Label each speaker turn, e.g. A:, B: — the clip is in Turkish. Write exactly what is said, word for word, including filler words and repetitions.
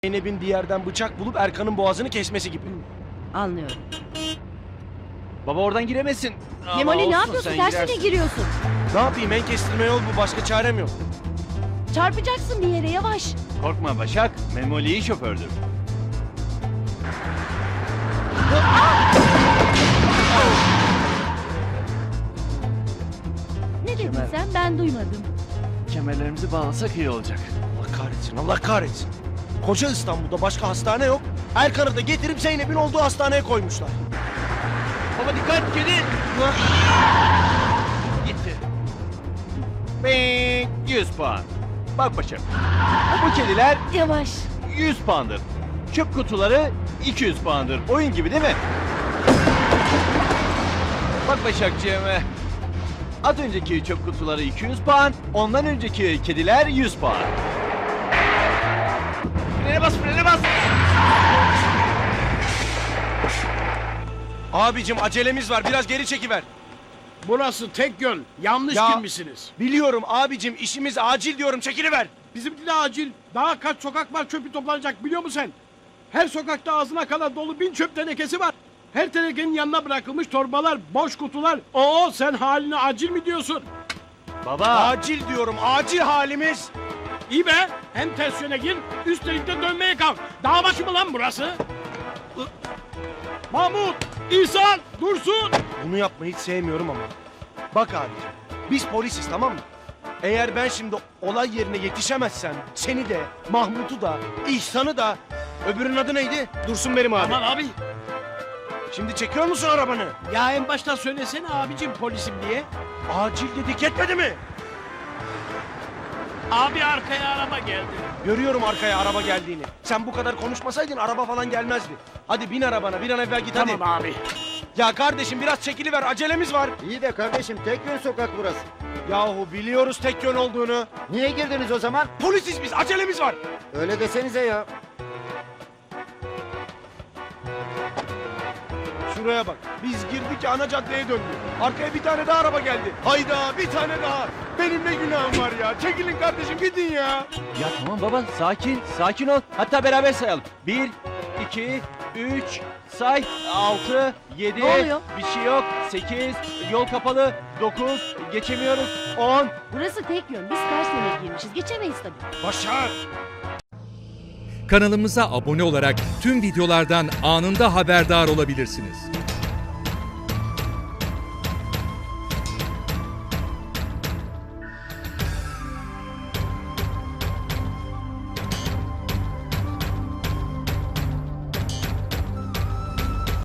A: Zeynep'in bir yerden bıçak bulup Erkan'ın boğazını kesmesi gibi.
B: Anlıyorum.
C: Baba oradan giremezsin. Ama
B: Memoli ne
C: olsun,
B: yapıyorsun?
C: sen
B: Tersine
C: girersin.
B: giriyorsun.
A: Ne yapayım, en kestirme yol bu, başka çarem yok.
B: Çarpacaksın bir yere, yavaş.
C: Korkma Başak. Memoli iyi şofördür.
B: Ne dedin
C: Kemal.
B: sen? Ben duymadım.
C: Kemerlerimizi bağlasak iyi olacak.
A: Allah kahretsin, Allah kahretsin. Koca İstanbul'da başka hastane yok. Erkan'ı da getirip Zeynep'in olduğu hastaneye koymuşlar.
C: Baba dikkat kedi. Gitti. Bing. yüz puan. Bak Başak. Bu kediler
B: Yavaş.
C: yüz puandır. Çöp kutuları iki yüz puandır. Oyun gibi değil mi? Bak Başakcığım. Az önceki çöp kutuları iki yüz puan, ondan önceki kediler yüz puan. Frene bas, frene bas.
A: Abicim acelemiz var, biraz geri çekiver.
D: Burası tek yön. Yanlış
A: Ya-
D: girmişsiniz.
A: Biliyorum abicim, işimiz acil diyorum, çekiliver.
D: Bizimki de acil. Daha kaç sokak var çöpü toplanacak biliyor musun sen? Her sokakta ağzına kadar dolu bin çöp tenekesi var. Her tenekenin yanına bırakılmış torbalar, boş kutular. Oo sen haline acil mi diyorsun?
C: Baba.
A: Acil diyorum, acil halimiz.
D: İyi be. Hem ters yöne gir, üstelik de dönmeye kalk. Dağ başı mı lan burası? Ih. Mahmut, İhsan, Dursun.
A: Bunu yapmayı hiç sevmiyorum ama. Bak abicim, biz polisiz, tamam mı? Eğer ben şimdi olay yerine yetişemezsem seni de, Mahmut'u da, İhsan'ı da... Öbürünün adı neydi? Dursun benim abi.
D: Aman abi.
A: Şimdi çekiyor musun arabanı?
D: Ya en baştan söylesene abicim polisim diye.
A: Acil dedik, yetmedi mi?
D: Abi arkaya araba geldi.
A: Görüyorum arkaya araba geldiğini. Sen bu kadar konuşmasaydın araba falan gelmezdi. Hadi bin arabana, bir an evvel git hadi.
D: Tamam abi.
A: Ya kardeşim biraz çekiliver, acelemiz var.
E: İyi de kardeşim tek yön sokak burası.
A: Yahu biliyoruz tek yön olduğunu.
E: Niye girdiniz o zaman?
A: Polisiz biz, acelemiz var.
E: Öyle desenize ya.
A: Şuraya bak, biz girdik ana caddeye döndük. Arkaya bir tane daha araba geldi. Hayda, bir tane daha. Benim ne günahım var ya. Çekilin kardeşim, gidin ya.
C: Ya tamam baba, sakin, sakin ol. Hatta beraber sayalım. Bir, iki, üç, say, altı, yedi.
B: Ne oluyor?
C: Bir şey yok. Sekiz, yol kapalı. Dokuz, geçemiyoruz. On.
B: Burası tek yön. Biz ters yöne girmişiz. Geçemeyiz tabii.
A: Başar.
F: Kanalımıza abone olarak tüm videolardan anında haberdar olabilirsiniz.